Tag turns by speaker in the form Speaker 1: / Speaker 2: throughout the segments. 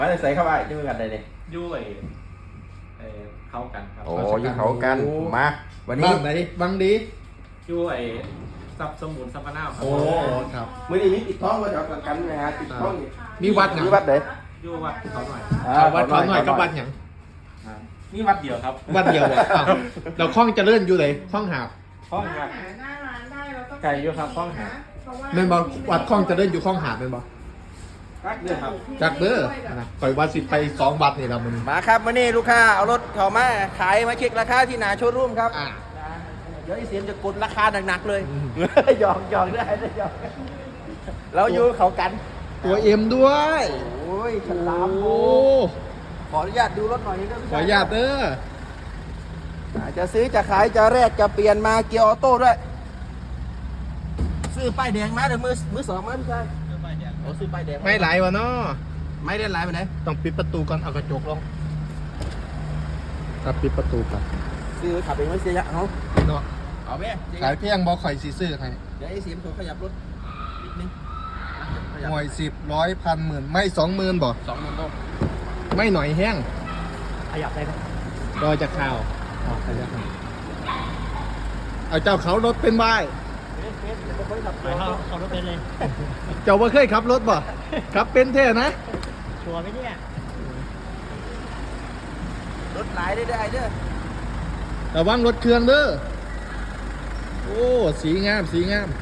Speaker 1: มาใส่เข้าไปที่มือกันได้เลย
Speaker 2: ยู่ไอ้เข้ากันครับ
Speaker 1: โอ้ยเขากันมาวันนี้
Speaker 3: บ้างไหนบ้างดี
Speaker 2: ยู่ไอ้ซับสมุนซับมะนาวครับ
Speaker 3: โอ้ครับ
Speaker 1: มื่อนี้มีติดท้องมาจากกันนะฮะติดท้อง
Speaker 3: มีวัดหยัง
Speaker 1: มีวัดไหน
Speaker 2: ยู่วัดเขาหน่อย
Speaker 3: วัดเขาหน่อยกับวัดหยัง
Speaker 2: นี่วัดเดียวครับ
Speaker 3: วัดเดียวอ่ะอ้าวเราคล้องเจะเลื่อนอยู่เลยคล้องหาบ
Speaker 2: ห้องหัก
Speaker 4: หาหน้าร้านได้แล้วก็
Speaker 2: ไก่อยู่ครับห้องหา
Speaker 3: เม่นบอวัดคล้องเจะเลื่อนอยู่คล้องหาบเม่นบอ
Speaker 2: รักเดือครับ
Speaker 3: จากเด้อนะปล่อยวัดสิไป2 วัดนี่เรามัน
Speaker 1: มาครับมื่อนี้ลูกค้าเอารถเข้ามาขายมาเช็คราคาที่หนาโชว์รูมครับ
Speaker 3: อ่า
Speaker 1: เดี๋ยวไอ้เสียมจะกดราคาหนักๆเลยหยอกหยอกได้หยอกเราอยู่เขากัน
Speaker 3: ตัวเอ็มด้วย
Speaker 1: โอ้ยฉลาม
Speaker 3: โอ้
Speaker 1: โอ้ขออนุญาตดูรถหน่อยนึง
Speaker 3: ขออนุญาตเด้อ
Speaker 1: จะซื้อจะขายจะแรกจะเปลี่ยนมาเกียร์ออโต้ด้วยซื้อป้ายแดงมาเดี๋ยวมือสองมาพี่ชายซื้อป้ายแดงโอ้ซื้อป้ายแดง
Speaker 3: ไม่ไหลวะเนาะ
Speaker 1: ไม่ได้ไลน์ไปไหน
Speaker 3: ต้องปิดประตูก่อนเอากระจกลงครับปิดประตูก่อน
Speaker 1: ซื้อขับเองไม่เสียยะเขา
Speaker 3: เนาะ
Speaker 1: เอาไหม
Speaker 3: ขายเพียงบอข่อยสีซื้อให้
Speaker 1: เดี๋ยวไอ้เสียมโทรขยับรถนิดนึงขยับ
Speaker 3: หน่วย10 100 1,000 10,000ไม่20,000บ่
Speaker 1: 20,000ต้น
Speaker 3: ไม่หน่อยแห้ง
Speaker 1: ขยับได้ไหม
Speaker 3: รอจากข่าวเอาเจ้าเขารถเป็นไว้
Speaker 2: ไปเข้ารถเป็นเลย
Speaker 3: เจ้าว่าเคยขับรถบ่ ขับเป็นแท้นะ
Speaker 2: ชัวร์ไหมเนี่ย
Speaker 1: รถหลายได้เด้อ
Speaker 3: ระวังรถเครื่องเด้อ โอ้ สีงาม สีงาม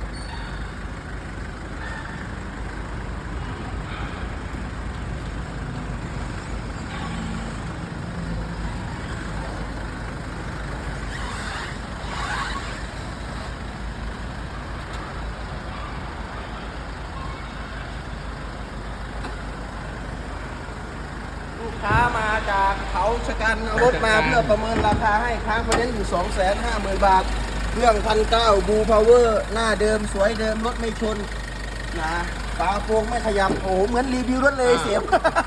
Speaker 1: ลูกค้ามาจากเขาชะกันเอารถมาเพื่อประเมินราคาให้ค้างไฟแนนซ์อยู่ 250,000 บาท เครื่อง1,900บูพาวเวอร์หน้าเดิมสวยเดิมรถไม่ชนนะฝาโปร่งไม่ขยับโอ้โหเหมือนรีวิวรถเลยเสียบ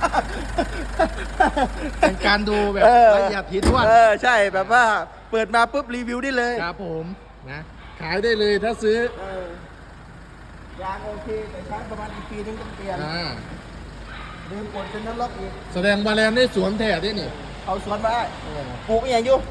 Speaker 3: เป็นการดูแบบละเอียดถี่ถ้วน
Speaker 1: ใช่แบบว่าเปิดมาปุ๊บรีวิวได้เลย
Speaker 3: ครับผมนะ ขายได้เลยถ้าซื้อ
Speaker 1: ยางโอเคแต่ใช้ประมาณอีกปีนึงต้องเปลี่ยน
Speaker 3: อ่า
Speaker 1: ลืมกดเป็นนั้นล็อกอีก
Speaker 3: แสดงบาแลนได้สวมแท้ด้วยนี่
Speaker 1: เอาสวนมาได้ปลูกอย่างอยู่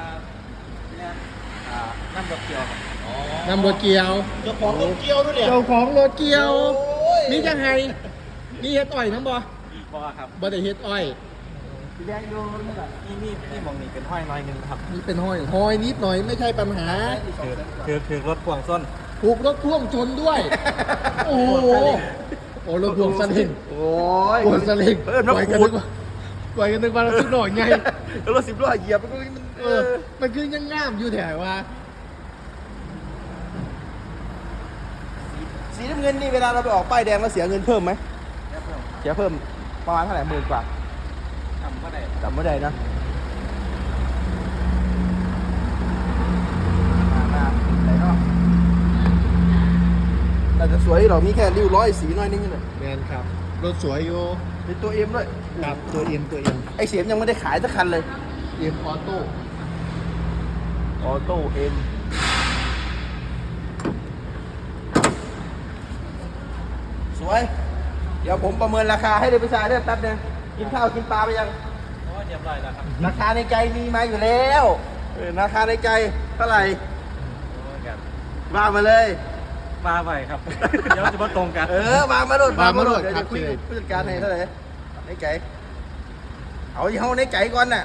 Speaker 2: น้ำดอกเกียวครับ
Speaker 3: นำรถเกียว
Speaker 1: เจ้าของรถเกี่ยวด้วยเนี่ย
Speaker 3: เจ้าของรถเกียว
Speaker 1: โอ้ย
Speaker 3: นี่ยังไงนี่เฮ็ดอ้อยน้ำบ่
Speaker 2: บ่ครับ
Speaker 3: บ่ได้เฮ็ดอ้อย
Speaker 1: สีแดงอยู่นี่แหละ
Speaker 2: นี่มองนี่เป็นห้อยน้อยหนึงครับ
Speaker 3: นี่เป็นห้อยหอยนิดหน่อยไม่ใช่ปัญหา
Speaker 2: คือรถพ่วงส้น
Speaker 3: ถูกรถพ่วงชนด้วย โอ้โหโอ้รถพ่วงสลิง
Speaker 1: โอ้ย
Speaker 3: พ่วงสลิง
Speaker 1: เออ
Speaker 3: ปล่อยกัน
Speaker 1: ขู
Speaker 3: นึ
Speaker 1: ด
Speaker 3: กว่าปล่อยกันนึกว่าเราสุดหน่อยไง
Speaker 1: รถ10 ล้อเหยียบมันก็มัน
Speaker 3: เออ มันคือยังงามอยู่แถวว่า
Speaker 1: สีน้ำเงินนี่เวลาเราไปออกป้ายแดงเราเสียเงินเพิ่มไหมเสียเพิ่มประมาณเท่าไหร่10,000 กว่า
Speaker 2: ทำก็ได้
Speaker 1: จำไม่ได้นะมาไหนเนาะแต่จะสวยหรอมีแค่ริ้วร้อยสีน้อยนึงนี่แหละ
Speaker 3: แมนครับ รถสวยอยู่
Speaker 1: เป็นตัวเอ็มด้วย
Speaker 3: ครับตัวเอ็มตัวเอ็ม
Speaker 1: ไอเสียมยังไม่ได้ขายสักคันเลย
Speaker 3: เอ็มออโต้
Speaker 1: ออโต้เอ็มสวย เดี๋ยวผมประเมินราคาให้เลยพี่ชายได้แป๊บนึงกินข้าวกินปลาไปยัง
Speaker 2: โอ้เรียบร้อยแล้วครับ
Speaker 1: ราคาในใจมีมาอยู่แล้วราคาในใจเท่าไหร่
Speaker 2: โอ้ครับ
Speaker 1: ว่ามาเลย
Speaker 2: มาไปครับ เดี๋ยวจะมาตรงกัน
Speaker 1: วางมาโดดเดี๋ยวจะคุยกับผู้จัดการให้เท่าไหร่ในใจเอาที่เฮาในใจก่อนน่ะ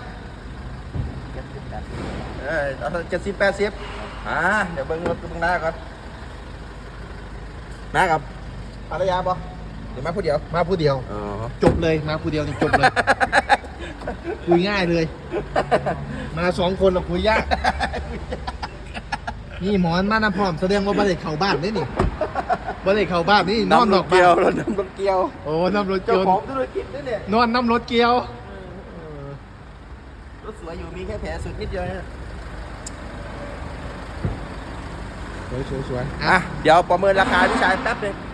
Speaker 1: เอา70 80เดี๋ยวเบิ่งรถตรงหน้าก่อนน้ากับภรรยาบ่หรือมาผู้เดียว
Speaker 3: มาผู้เดียว
Speaker 1: อ๋อ
Speaker 3: จบเลย มาผู้เดียวนี่จบเลย คุยง่ายเลย มา2 คนเราคุยยาก นี่หมอนมาน้ำพร้อมแสดงว่าบ่ได้เข้าบ้านนี่นี่บ่ได้เข้าบ้านนี่นอนนอก
Speaker 1: เกี
Speaker 3: บ้า
Speaker 1: ยวน รถน้ำรถเกียว
Speaker 3: โอ้น้ำรถเกี
Speaker 1: เจ้า
Speaker 3: ยว
Speaker 1: ของธุรกิจนี่เนี่ย
Speaker 3: นอนน้ำรถเกียว
Speaker 1: รถสวยอยู่มีแค่แผลสุดนิดเดียวเนี่ย
Speaker 3: สวยสวยสวย
Speaker 1: อ่ะเดี๋ยวประเมินราคาพี่ชายแป๊บนึง